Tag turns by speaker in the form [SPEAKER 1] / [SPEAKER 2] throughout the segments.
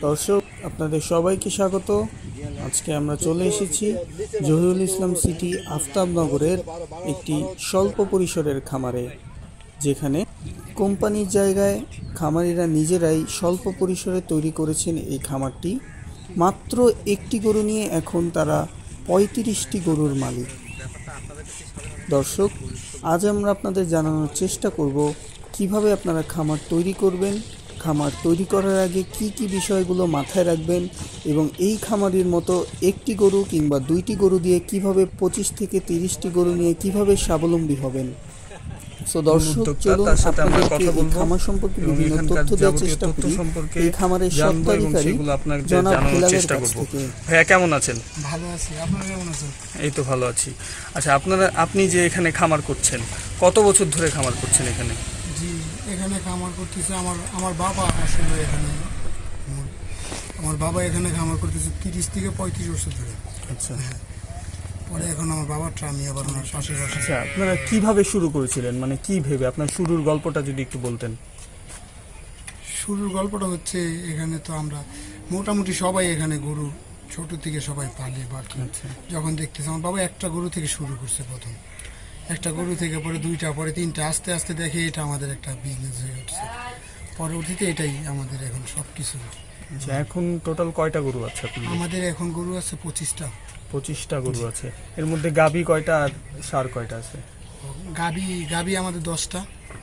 [SPEAKER 1] দর্শক আপনাদের সবাইকে স্বাগত। আজকে আমরা চলে এসেছি জহিরুল ইসলাম সিটি আফতাবনগরের একটি স্বল্প পরিসরের খামারে, যেখানে কোম্পানির জায়গায় খামারিরা নিজেরাই স্বল্প পরিসরে তৈরি করেছেন এই খামারটি। মাত্র একটি গরু নিয়ে এখন তারা ৩৫টি গরুর মালিক। দর্শক, আজ আমরা আপনাদের জানানোর চেষ্টা করব কিভাবে আপনারা খামার তৈরি করবেন, খামার তৈরি করার আগে কি কি বিষয়গুলো মাথায় রাখবেন এবং এই খামারের মতো একটি গরু কিংবা দুইটি গরু দিয়ে কিভাবে ২৫ থেকে ৩০টি গরু নিয়ে কিভাবে স্বাবলম্বী হবেন। সো দর্শক, চলুন আপনাদেরকে এই খামার সম্পর্কে বিভিন্ন তথ্য দেওয়ার চেষ্টা করি এই খামারের স্বত্বাধিকারী জনাব হেলালের কাছ থেকে।
[SPEAKER 2] ভাইয়া কেমন আছেন?
[SPEAKER 3] ভালো আছি, আপনারা কেমন আছেন?
[SPEAKER 2] এই তো ভালো আছি। আচ্ছা, আপনি যে এখানে খামার করছেন, কত বছর ধরে খামার করছেন এখানে?
[SPEAKER 3] জি, এখানে খামার করতেছে আমার বাবা। আসলে এখানে আমার বাবা এখানে খামার করতেছে ৩০ থেকে ৩৫ বছর ধরে।
[SPEAKER 2] আচ্ছা,
[SPEAKER 3] পরে এখন আমার বাবারটা আমি আবার ওনার পাশে।
[SPEAKER 2] আচ্ছা, আপনারা কিভাবে শুরু করেছিলেন, মানে কি ভেবে? আপনার শুরুর গল্পটা যদি একটু বলতেন।
[SPEAKER 3] শুরুর গল্পটা হচ্ছে, এখানে তো আমরা মোটামুটি সবাই এখানে গরু ছোট থেকে সবাই পালে বা যখন দেখতেছে, আমার বাবা একটা গরু থেকে শুরু করছে। প্রথম একটা গরু থেকে, পরে দুইটা, পরে তিনটা, আস্তে আস্তে দেখে এটা আমাদের একটা বিজনেস হয়ে উঠছে। পরবর্তীতে এটাই আমাদের এখন সব কিছু।
[SPEAKER 2] আচ্ছা, এখন টোটাল কয়টা গরু আছে আপনাদের?
[SPEAKER 3] আমাদের এখন গরু আছে 25টা।
[SPEAKER 2] 25টা গরু আছে। এর মধ্যে গাভী কয়টা আর ষাঁড় কয়টা আছে?
[SPEAKER 3] গাভী আমাদের 10টা,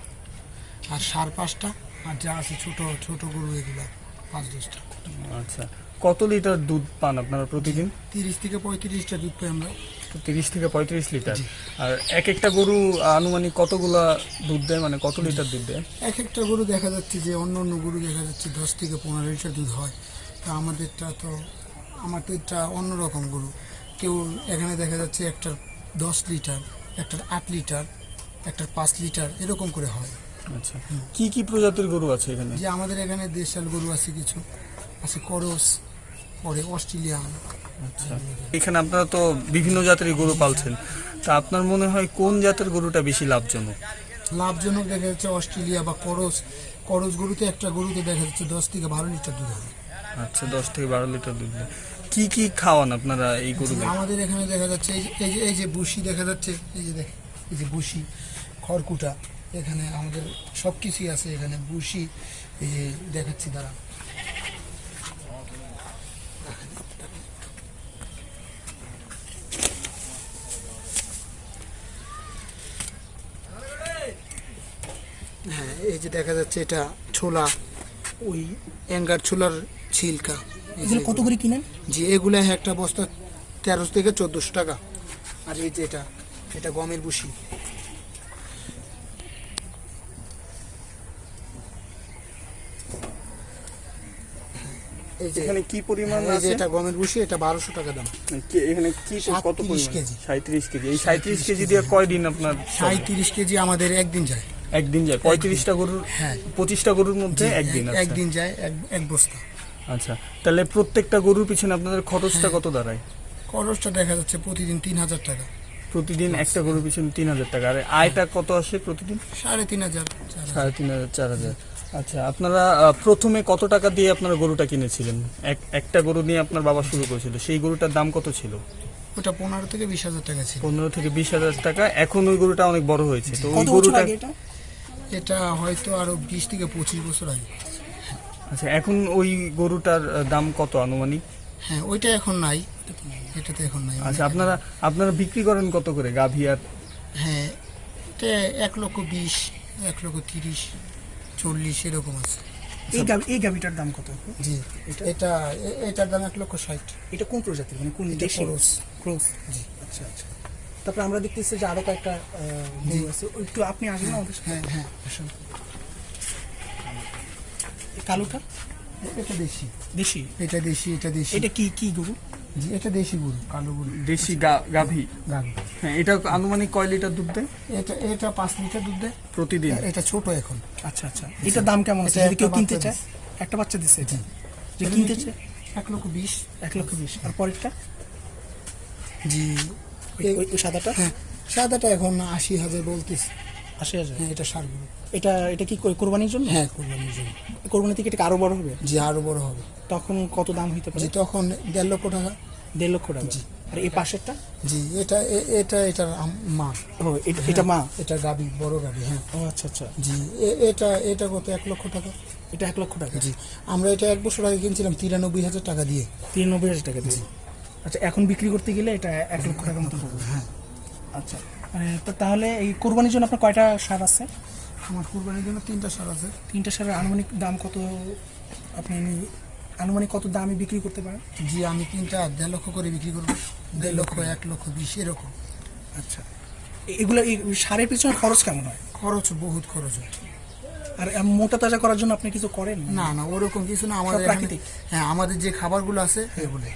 [SPEAKER 3] আর ষাঁড় 5টা, আর যা আছে ছোট ছোট গরু এগুলা 5-10টা।
[SPEAKER 2] আচ্ছা, কত লিটার দুধ পান আপনারা প্রতিদিন?
[SPEAKER 3] 30 থেকে 35টা দুধ পাই আমরা।
[SPEAKER 2] 30 থেকে 35 লিটার। আর এক একটা গরু আনুমানিক কতগুলা দুধ দেয়, মানে কত লিটার দুধ দেয়?
[SPEAKER 3] এক একটা গরু দেখা যাচ্ছে যে অন্য গরু দেখা যাচ্ছে 10 থেকে 15 লিটার দুধ হয়। তা আমাদেরটা তো এটা অন্যরকম গরু। কেউ এখানে দেখা যাচ্ছে একটার 10 লিটার, একটার 8 লিটার, একটার 5 লিটার এরকম করে হয়।
[SPEAKER 2] আচ্ছা, কি কি প্রজাতির গরু আছে এখানে?
[SPEAKER 3] যে আমাদের এখানে দেশাল গরু আছে, কিছু আছে করস, পরে অস্ট্রেলিয়ান।
[SPEAKER 2] আচ্ছা, এখানে আপনারা তো বিভিন্ন জাতের গরু পালছেন, তা আপনার মনে হয় কোন জাতের গরুটা বেশি লাভজনক?
[SPEAKER 3] লাভজনক দেখা যাচ্ছে অস্ট্রেলিয়া বা করস গরুতে একটা গরুতে দেখা যাচ্ছে 10 থেকে 12 লিটার দুধ হয়।
[SPEAKER 2] আচ্ছা, 10 থেকে 12 লিটার দুধ দেয়। কি কি খাওয়ান আপনারা এই গরুকে?
[SPEAKER 3] আমাদের এখানে দেখা যাচ্ছে এই যে বুসি দেখা যাচ্ছে, এই যে বুসি, খড়কুটা, এখানে আমাদের সব কিছুই আছে। এখানে বুসি, এই যে দেখাচ্ছি দ্বারা, হ্যাঁ, এই যে দেখা যাচ্ছে এটা ছোলা, ওই অ্যাঙ্গার ছোলার ছিলকা।
[SPEAKER 4] এগুলো কত করে কিনেন?
[SPEAKER 3] জি, এগুলো একটা বস্তা 1300 থেকে 1400 টাকা। আর এই যে এটা গমের বুসি। এই যে
[SPEAKER 2] এখানে কি পরিমাণ আছে?
[SPEAKER 3] এটা গমের বুসি, এটা 1200 টাকা দাম।
[SPEAKER 2] এখানে কি কত
[SPEAKER 3] 37 কেজি।
[SPEAKER 2] 37 কেজি। এই 37 কেজি দিয়ে কয়দিন আপনার?
[SPEAKER 3] 37 কেজি আমাদের একদিন যায়।
[SPEAKER 2] একদিন যায় 35টা গরুর?
[SPEAKER 3] হ্যাঁ,
[SPEAKER 2] 25টা গরুর মধ্যে একদিন।
[SPEAKER 3] একদিন যায় এক বস্তা।
[SPEAKER 2] আচ্ছা, তাহলে প্রত্যেকটা গরুর পিছনে আপনাদের খরচটা কত দাঁড়ায়?
[SPEAKER 3] খরচটা দেখা যাচ্ছে প্রতিদিন 3000 টাকা।
[SPEAKER 2] প্রতিদিন একটা গরুর পিছনে 3000 টাকা। আর আয়টা কত আসে প্রতিদিন?
[SPEAKER 3] 3500,
[SPEAKER 2] 3500, 4000। আচ্ছা, আপনারা প্রথমে কত টাকা দিয়ে আপনারা গরুটা কিনেছিলেন? একটা গরু নিয়ে আপনার বাবা শুরু করেছিল, সেই গরুটার দাম কত ছিল?
[SPEAKER 3] ওটা 15 থেকে 20,000 টাকা ছিল।
[SPEAKER 2] 15 থেকে 20,000 টাকা। এখন ওই গরুটা অনেক বড় হয়েছে, তো ওই
[SPEAKER 4] কত বছর
[SPEAKER 2] গরুটা
[SPEAKER 4] আগে
[SPEAKER 3] এটা হয়তো আরো 20 থেকে 25 বছর আগে।
[SPEAKER 2] আচ্ছা, এখন ওই গরুটার দাম কত আনুমানিক?
[SPEAKER 3] হ্যাঁ, ওইটা এখন নাই, এটাতে এখন নাই।
[SPEAKER 2] আচ্ছা, আপনারা বিক্রি করেন কত করে গাভী? আর
[SPEAKER 3] হ্যাঁ, এটা 1,20,000, 1,30,000, 40 এরকম আছে।
[SPEAKER 4] এই গাভিটার দাম কত?
[SPEAKER 3] জি, এটার দাম 1,60,000।
[SPEAKER 4] এটা কোন প্রজাতির, মানে কোন দেশি? ক্রস। জি, আচ্ছা আচ্ছা। তারপরে আমরা দেখতেছি যে আরো কয়েকটা গরু আছে, একটু আপনি আসবেন আমাদের সাথে?
[SPEAKER 3] হ্যাঁ, আসুন।
[SPEAKER 4] কালোটা
[SPEAKER 3] এটা দেশি।
[SPEAKER 4] দেশি?
[SPEAKER 3] এটা দেশি।
[SPEAKER 4] এটা কি গরু?
[SPEAKER 3] জি, এটা দেশি গরু, কালো গরু,
[SPEAKER 2] দেশি গাভী। হ্যাঁ, এটা আনুমানিক কয় লিটার দুধ দেয়?
[SPEAKER 3] এটা 5 লিটার দুধ দেয়
[SPEAKER 2] প্রতিদিন।
[SPEAKER 3] এটা ছোট এখন।
[SPEAKER 4] আচ্ছা আচ্ছা, এটার দাম কেমন আছে যদি কেউ কিনতে চায়? একটা বাচ্চা দিচ্ছে এটা, যে কিনতে চায়
[SPEAKER 3] 1,20,000।
[SPEAKER 4] 1,20,000। আর পরেরটা?
[SPEAKER 3] জি,
[SPEAKER 4] ওই সাদাটা?
[SPEAKER 3] হ্যাঁ, সাদাটা এখন 80,000 বলতেছে।
[SPEAKER 4] 80,000।
[SPEAKER 3] হ্যাঁ, এটা ষাঁড় গরু।
[SPEAKER 4] এটা এটা কি কোরবানির জন্য?
[SPEAKER 3] হ্যাঁ, কোরবানির জন্য।
[SPEAKER 4] কোরবানি থেকে এটা আরো বড় হবে?
[SPEAKER 3] জি, আরো বড় হবে।
[SPEAKER 4] তখন কত দাম হইতে পারে?
[SPEAKER 3] জি, তখন 1.5 লক্ষ টাকা।
[SPEAKER 4] 1.5 লক্ষ টাকা। আর এই পাশেরটা?
[SPEAKER 3] জি, এটার মা।
[SPEAKER 4] ও এটা মা?
[SPEAKER 3] এটা গাবি, বড় গাবি। হ্যাঁ।
[SPEAKER 4] ও আচ্ছা আচ্ছা।
[SPEAKER 3] জি, এটা কত? 1 লক্ষ টাকা।
[SPEAKER 4] এটা 1 লক্ষ টাকা?
[SPEAKER 3] জি, আমরা এটা 1 বছর আগে কিনছিলাম 93,000 টাকা দিয়ে।
[SPEAKER 4] 93,000 টাকা দিয়ে? আচ্ছা, এখন বিক্রি করতে গেলে এটা 1 লক্ষ টাকার মতো হবে?
[SPEAKER 3] হ্যাঁ।
[SPEAKER 4] আচ্ছা, তো তাহলে এই কোরবানির জন্য আপনার কয়টা ষাঁড় আছে?
[SPEAKER 3] আমার কুরবানির জন্য 3টা ষাঁড় আছে।
[SPEAKER 4] 3টা ষাঁড়ের আনুমানিক দাম কত? আপনি আনুমানিক কত দামে বিক্রি করতে পারেন?
[SPEAKER 3] জি, আমি 3টা 1.5 লক্ষ করে বিক্রি করবো। 1.5 লক্ষ, 1 লক্ষ 20 এরকম।
[SPEAKER 4] আচ্ছা, এগুলো এই ষাঁড়ের পিছনে খরচ কেমন হয়?
[SPEAKER 3] খরচ, বহুত খরচ হয়।
[SPEAKER 4] আর মোটা তাজা করার জন্য আপনি কিছু করেন?
[SPEAKER 3] না না, ওরকম কিছু না। আমাদের
[SPEAKER 4] প্রাকৃতিক?
[SPEAKER 3] হ্যাঁ, আমাদের যে খাবারগুলো আছে এগুলো।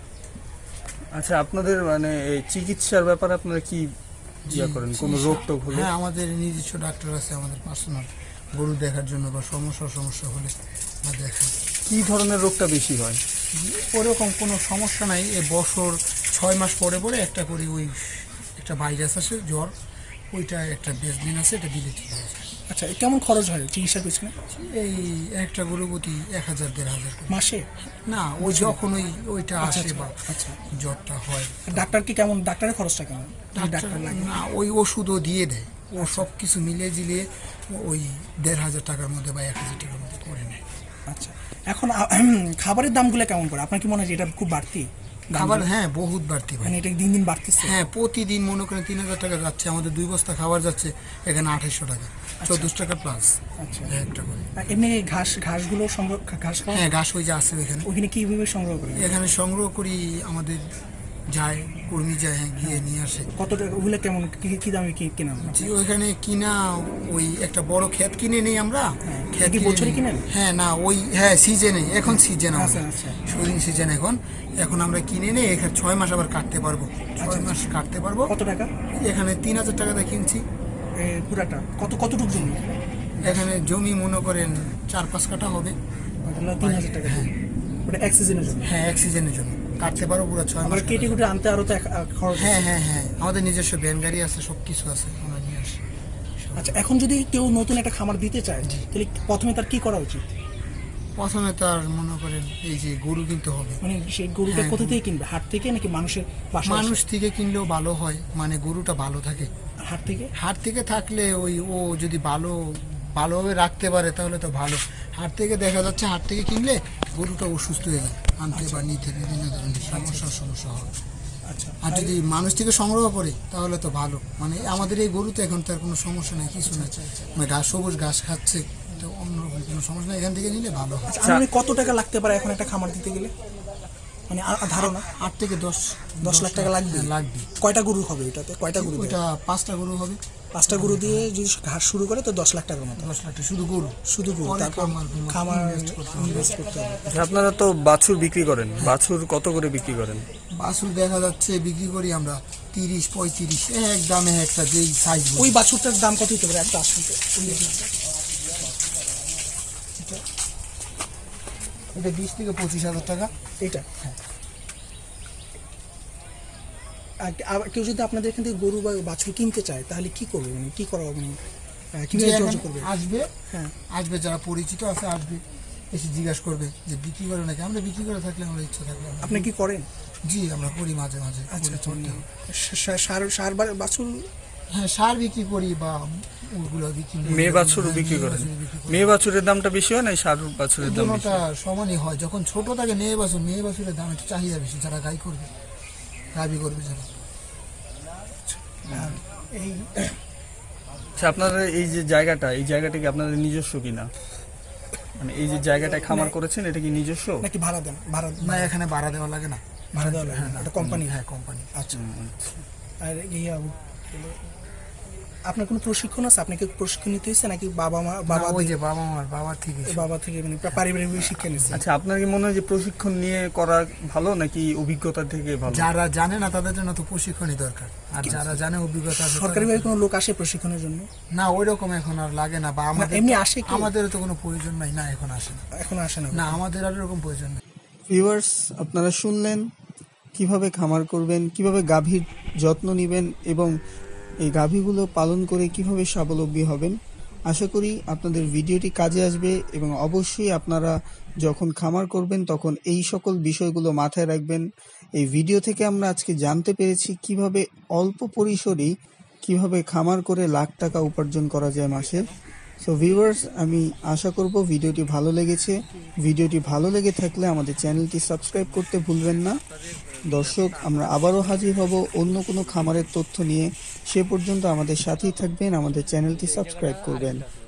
[SPEAKER 2] আচ্ছা, আপনাদের মানে এই চিকিৎসার ব্যাপারে আপনারা কি করেন? কোনো রোগ টোগ হলে?
[SPEAKER 3] হ্যাঁ, আমাদের নিজস্ব ডাক্তার আছে, আমাদের পার্সোনাল, গরু দেখার জন্য বা সমস্যা হলে বা দেখাই।
[SPEAKER 2] কি ধরনের রোগটা বেশি হয়?
[SPEAKER 3] ওরকম কোনো সমস্যা নাই। এই বছর 6 মাস পরে পরে একটা করে ওই একটা ভাইরাস আসে, জ্বর, ওইটা একটা বেসদিন আছে, এটা দিলে ঠিক হয়ে যায়।
[SPEAKER 4] আচ্ছা, কেমন খরচ হয় চিকিৎসার পিছনে?
[SPEAKER 3] এই একটা গরু প্রতি 1,000-1,500 করে।
[SPEAKER 4] মাসে?
[SPEAKER 3] না, ওই যখন ওইটা
[SPEAKER 4] আচ্ছা,
[SPEAKER 3] আসে বা
[SPEAKER 4] আচ্ছা।
[SPEAKER 3] জ্বরটা হয়।
[SPEAKER 4] ডাক্তার কি কেমন? ডাক্তারের খরচটা কেমন? ডাক্তার লাগে?
[SPEAKER 3] না, ওই ওষুধও দিয়ে দেয়। ও সব কিছু মিলিয়ে ঝিলিয়ে ওই 1,500 টাকার মধ্যে বা 1,000 টাকার মধ্যে করে নেয়।
[SPEAKER 4] আচ্ছা, এখন খাবারের দামগুলো কেমন করে? আপনার কি মনে হয় যে এটা খুব বাড়তি
[SPEAKER 3] খাবার? হ্যাঁ, বহুত বাড়তি ভাই।
[SPEAKER 4] মানে এটা দিন দিন বাড়তেছে?
[SPEAKER 3] হ্যাঁ, প্রতিদিন মনে করেন 3,000 টাকা যাচ্ছে। আমাদের 2 বস্তা খাবার যাচ্ছে, এখানে 2,800 টাকা, 14 টাকা প্লাস।
[SPEAKER 4] আচ্ছা,
[SPEAKER 3] একটা করে।
[SPEAKER 4] আর এমনি ঘাসগুলো সংগ্রহ, ঘাস খাওয়া?
[SPEAKER 3] হ্যাঁ, ঘাস ওই যে আছে ওইখানে।
[SPEAKER 4] ওইখানে কিভাবে সংগ্রহ করেন?
[SPEAKER 3] এখানে সংগ্রহ করি, আমাদের যায়, কর্মী যায়, হ্যাঁ, গিয়ে নিয়ে আসে।
[SPEAKER 4] কত টাকা ওগুলো? কেমন কি দামে কেনা?
[SPEAKER 3] জি, ওইখানে কিনা ওই একটা বড় ক্ষেত কিনে নেই আমরা। ক্ষেত
[SPEAKER 4] কি
[SPEAKER 3] কিনে
[SPEAKER 4] বছরে
[SPEAKER 3] নিই।
[SPEAKER 4] কিনেন?
[SPEAKER 3] হ্যাঁ, না ওই, হ্যাঁ, সিজনে, এখন সিজন
[SPEAKER 4] আচ্ছা, আচ্ছা।
[SPEAKER 3] শুটিং সিজন এখন আমরা কিনে নেই। এখানে 6 মাস আবার কাটতে পারবো, 6 মাস কাটতে পারবো।
[SPEAKER 4] কত টাকা?
[SPEAKER 3] এখানে 3,000 টাকা দিয়ে কিনছি।
[SPEAKER 4] পুরাটা কতটুকু জমি?
[SPEAKER 3] এখানে জমি মনে করেন 4-5 কাঠা হবে।
[SPEAKER 4] 3,000 টাকা? ওটা এক সিজনের জন্য?
[SPEAKER 3] হ্যাঁ, এক সিজনের জন্য কাটতে পারবো পুরো 6
[SPEAKER 4] আবার
[SPEAKER 3] মাস।
[SPEAKER 4] কেটে কুটে আনতে আরো তো খরচ?
[SPEAKER 3] হ্যাঁ হ্যাঁ হ্যাঁ, আমাদের নিজস্ব ভ্যান গাড়ি আছে, সব কিছু আছে, আমরা নিয়ে আসি।
[SPEAKER 4] আচ্ছা, এখন যদি কেউ নতুন একটা খামার দিতে চায়, তাহলে প্রথমে তার কি করা উচিত?
[SPEAKER 3] প্রথমে তার মনে করেন এই যে গরু কিনতে হবে।
[SPEAKER 4] মানে সেই গরুটা
[SPEAKER 3] হ্যাঁ,
[SPEAKER 4] কোথা থেকে কিনবে? হাট থেকে নাকি মানুষের বাসা?
[SPEAKER 3] মানুষ থেকে কিনলেও ভালো হয়, মানে গরুটা ভালো থাকে।
[SPEAKER 4] হাট থেকে?
[SPEAKER 3] হাট থেকে থাকলে ওই ও যদি ভালোভাবে রাখতে পারে তাহলে তো ভালো। হাট থেকে দেখা যাচ্ছে, হাট থেকে কিনলে গরুটা অসুস্থ হয়ে যায়, আনতে বা নিতে বিভিন্ন ধরনের সমস্যা হয়।
[SPEAKER 4] আচ্ছা,
[SPEAKER 3] আর যদি মানুষ থেকে সংগ্রহ করে তাহলে তো ভালো। মানে আমাদের এই গরুতে এখন তার কোনো সমস্যা নেই, কিছু নেই, মানে সবুজ ঘাস খাচ্ছে, তো অন্যরকম কোনো সমস্যা নেই, এখান থেকে নিলে ভালো হয়।
[SPEAKER 4] আনুমানিক কত টাকা লাগতে পারে এখন একটা খামার দিতে গেলে? মানে ধারণা
[SPEAKER 3] 8 থেকে
[SPEAKER 4] 10 লাখ টাকা লাগবে?
[SPEAKER 3] লাগবে।
[SPEAKER 4] কয়টা গরু হবে এটাতে? কয়টা গরু?
[SPEAKER 3] ওইটা 5টা গরু হবে।
[SPEAKER 4] 5টা গরু দিয়ে যদি ঘাস শুরু করে তো 10 লাখ টাকার মতো?
[SPEAKER 3] 10 লাখ টাকা শুধু গরু।
[SPEAKER 4] তারপর খামার ইনভেস্ট করতে হবে।
[SPEAKER 2] আচ্ছা, আপনারা তো বাছুর বিক্রি করেন, বাছুর কত করে বিক্রি করেন?
[SPEAKER 3] বাছুর দেখা যাচ্ছে বিক্রি করি আমরা 30-35, এক দামে একটা, যেই সাইজ।
[SPEAKER 4] ওই বাছুরটার দাম কত হতে পারে একটা আসলে?
[SPEAKER 3] এটা 20 থেকে 25,000 টাকা।
[SPEAKER 4] এটা? হ্যাঁ। আর কেউ যদি আপনাদের এখান থেকে গরু বা বাছুর কিনতে চায় তাহলে কি করবে? মানে কি করা হবে? কিভাবে যোগাযোগ করবে?
[SPEAKER 3] আসবে,
[SPEAKER 4] হ্যাঁ,
[SPEAKER 3] আসবে, যারা পরিচিত আছে আসবে, এসে জিজ্ঞাসা করবে যে বিক্রি করে নাকি। আমরা বিক্রি করে থাকলে, আমরা ইচ্ছা থাকলে
[SPEAKER 4] আপনি কি করেন?
[SPEAKER 3] জি, আমরা করি মাঝে মাঝে।
[SPEAKER 4] আচ্ছা, সার বাছুর?
[SPEAKER 3] হ্যাঁ, সার বিক্রি করি বা ওগুলো বিক্রি করি।
[SPEAKER 2] মেয়ে বাছুরও বিক্রি করেন? মেয়ে বাছুরের দামটা বেশি হয় না সার বাছুরের দাম বেশি?
[SPEAKER 3] দুটোটা সমানই হয়। যখন ছোট থাকে মেয়ে বাছুরের দাম একটু চাহিদা বেশি, যারা গাবি করবে যারা।
[SPEAKER 4] এই
[SPEAKER 2] আচ্ছা, আপনাদের এই যে জায়গাটা, এই জায়গাটা কি আপনাদের নিজস্ব কিনা? মানে এই যে জায়গাটা খামার করেছেন, এটা কি নিজস্ব
[SPEAKER 4] নাকি ভাড়া দেন?
[SPEAKER 3] না, এখানে ভাড়া দেওয়া লাগে না।
[SPEAKER 4] ভাড়া দেওয়া লাগে না, এটা কোম্পানি?
[SPEAKER 3] হ্যাঁ, কোম্পানি।
[SPEAKER 4] আচ্ছা, আর আপনার কোনো প্রশিক্ষণ আছে? আপনাকে প্রশিক্ষণ নিতে হয়েছে নাকি
[SPEAKER 3] ওই যে বাবা থেকে
[SPEAKER 4] মানে পারিবারিক শিক্ষা নিচ্ছে?
[SPEAKER 2] আচ্ছা, আপনার কি মনে হয় যে প্রশিক্ষণ নিয়ে করা ভালো নাকি অভিজ্ঞতা থেকে ভালো?
[SPEAKER 3] যারা জানে না তাদের জন্য তো প্রশিক্ষণই দরকার, আর যারা জানে অভিজ্ঞতা আছে।
[SPEAKER 4] সরকারিভাবে কোনো লোক আসে প্রশিক্ষণের জন্য?
[SPEAKER 3] না, ওই রকম এখন আর লাগে না, বা
[SPEAKER 4] এমনি আসে?
[SPEAKER 3] আমাদেরও তো কোনো প্রয়োজন নাই। না, এখন আসে না।
[SPEAKER 4] এখন আসে না?
[SPEAKER 3] না, আমাদের আর এরকম প্রয়োজন নেই।
[SPEAKER 1] ভিউয়ার্স, আপনারা শুনলেন কিভাবে খামার করবেন, কিভাবে গাভীর যত্ন নেবেন এবং এই গাভীগুলো পালন করে কিভাবে স্বাবলম্বী হবেন। আশা করি আপনাদের ভিডিওটি কাজে আসবে এবং অবশ্যই আপনারা যখন খামার করবেন তখন এই সকল বিষয়গুলো মাথায় রাখবেন। এই ভিডিও থেকে আমরা আজকে জানতে পেরেছি কিভাবে অল্প পরিসরেই কিভাবে খামার করে লাখ টাকা উপার্জন করা যায় মাসে। সো ভিউয়ার্স, আমি আশা করব ভিডিওটি ভালো লেগেছে। ভিডিওটি ভালো লেগে থাকলে আমাদের চ্যানেলটি সাবস্ক্রাইব করতে ভুলবেন না। দর্শক, আমরা আবারও হাজির হব অন্য কোনো খামারের তথ্য নিয়ে। সে পর্যন্ত আমাদের সাথেই থাকবেন, আমাদের চ্যানেলটি সাবস্ক্রাইব করবেন।